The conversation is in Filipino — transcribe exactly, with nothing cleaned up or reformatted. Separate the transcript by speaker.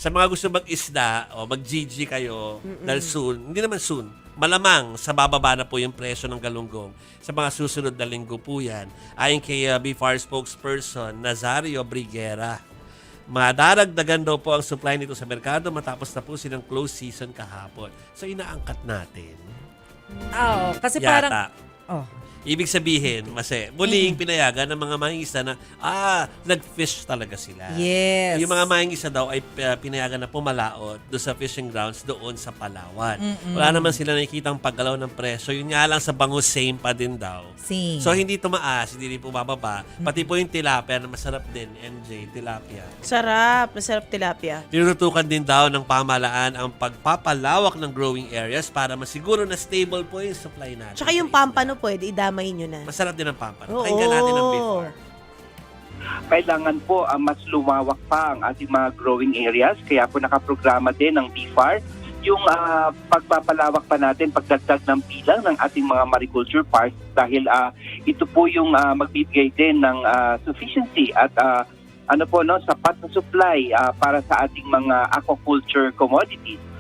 Speaker 1: sa mga gusto mag-isda o mag-G G kayo,
Speaker 2: Mm-mm.
Speaker 1: dahil soon, hindi naman soon, malamang sa bababa na po yung presyo ng galunggong sa mga susunod na linggo po yan. Ayon kay uh, Beef Fire spokesperson Nazario Briguera, madaragdagan daw po ang supply nito sa merkado matapos na po silang close season kahapon. So inaangkat natin.
Speaker 2: Oo, kasi
Speaker 1: Yata.
Speaker 2: parang... Oh.
Speaker 1: Ibig sabihin, mase, muling pinayagan ng mga mangingisda na, ah, nag-fish talaga sila.
Speaker 2: Yes.
Speaker 1: Yung mga mangingisda daw ay uh, pinayagan na pumalaot doon sa fishing grounds doon sa Palawan.
Speaker 2: Mm-mm.
Speaker 1: Wala naman sila nakikitang paggalaw ng presyo. Yun nga lang sa bangus, same pa din daw.
Speaker 2: Same.
Speaker 1: So, hindi tumaas, hindi rin bumababa. Pati po yung tilapia na masarap din, M J, tilapia.
Speaker 3: Sarap. Masarap tilapia.
Speaker 1: Tinutukan din daw ng pamahalaan ang pagpapalawak ng growing areas para masiguro na stable po yung supply natin.
Speaker 3: Tsaka yung pampano pwede, idamay nyo na.
Speaker 1: Masarap din ang pampano.
Speaker 3: Oo.
Speaker 1: Pakinggan natin ang before.
Speaker 4: Kailangan po uh, mas lumawak pa ang ating mga growing areas. Kaya po nakaprograma din ng B F A R yung uh, pagpapalawak pa natin, pagdagdag ng bilang ng ating mga mariculture parks dahil uh, ito po yung uh, magbibigay din ng uh, sufficiency at uh, ano po no sapat na supply uh, para sa ating mga aquaculture commodities.